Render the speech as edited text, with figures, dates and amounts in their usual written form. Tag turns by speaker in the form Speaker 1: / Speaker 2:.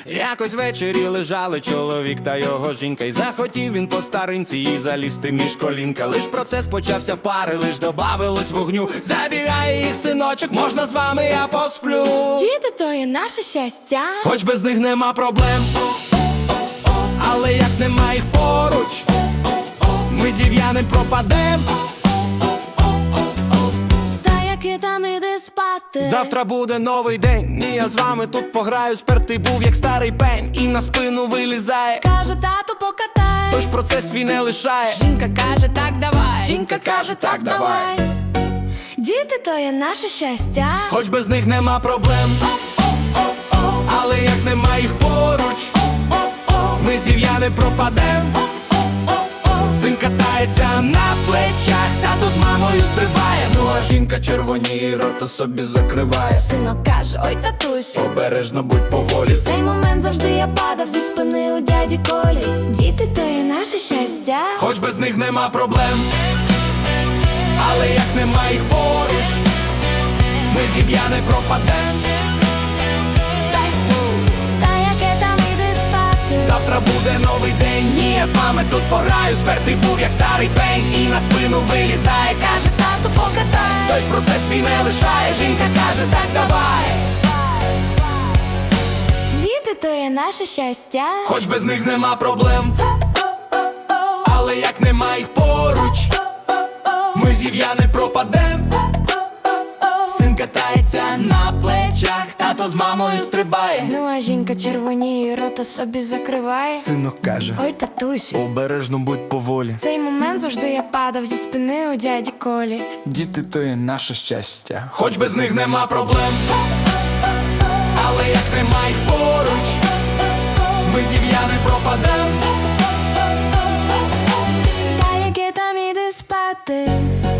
Speaker 1: Якось ввечері лежали чоловік та його жінка, і захотів він по старинці їй залізти між колінка. Лиш процес почався в пари, лиш добавилось вогню. Забігає їх синочок, можна з вами я посплю.
Speaker 2: Діти то є наше щастя,
Speaker 1: Хоч без них нема проблем, але як нема їх поруч, ми зів'яним пропадем.
Speaker 2: та яки там іди спати.
Speaker 1: Завтра буде новий день, і я з вами тут пограю. Спертий був як старий пень, і на спину вилізає.
Speaker 2: Каже, тату, покатай.
Speaker 1: Тож процес свій не лишає.
Speaker 2: Жінка каже, так давай. Жінка каже, так давай. Діти то є наше щастя,
Speaker 1: Хоч без них нема проблем, але як нема їх поруч, ми зів'яни пропадем. Син катається на плечах, тато з мамою стрибає. Ну а жінка червоніє, рота собі закриває.
Speaker 2: синок каже, ой, татусю,
Speaker 1: Обережно будь поволі.
Speaker 2: в цей момент завжди я падав зі спини у дяді Колі. Діти то є наше щастя,
Speaker 1: Хоч без них нема проблем, але як нема їх поруч, ми зів'яни пропадем.
Speaker 2: та яке там іди спати.
Speaker 1: Завтра буде новий день, і я з вами тут пограю. Спертий був як старий пень, і на спину вилізає. Каже,
Speaker 2: Тату, покатай.
Speaker 1: той ж процес свій не лишає. Жінка каже, так давай.
Speaker 2: Діти то є наше щастя,
Speaker 1: Хоч без них нема проблем, але як нема їх поруч, ми зів'яни пропадем. Син катається на плечах, тато з мамою стрибає.
Speaker 2: ну а жінка червоніє, рота собі закриває.
Speaker 1: Синок каже,
Speaker 2: Ой, татусю,
Speaker 1: обережно будь поволі.
Speaker 2: в цей момент завжди я падав зі спини у дяді Колі.
Speaker 3: Діти то є наше щастя.
Speaker 1: Хоч без них нема проблем, але як нема їх поруч, ми зів'яни пропадем.
Speaker 2: Та яке там іди спати.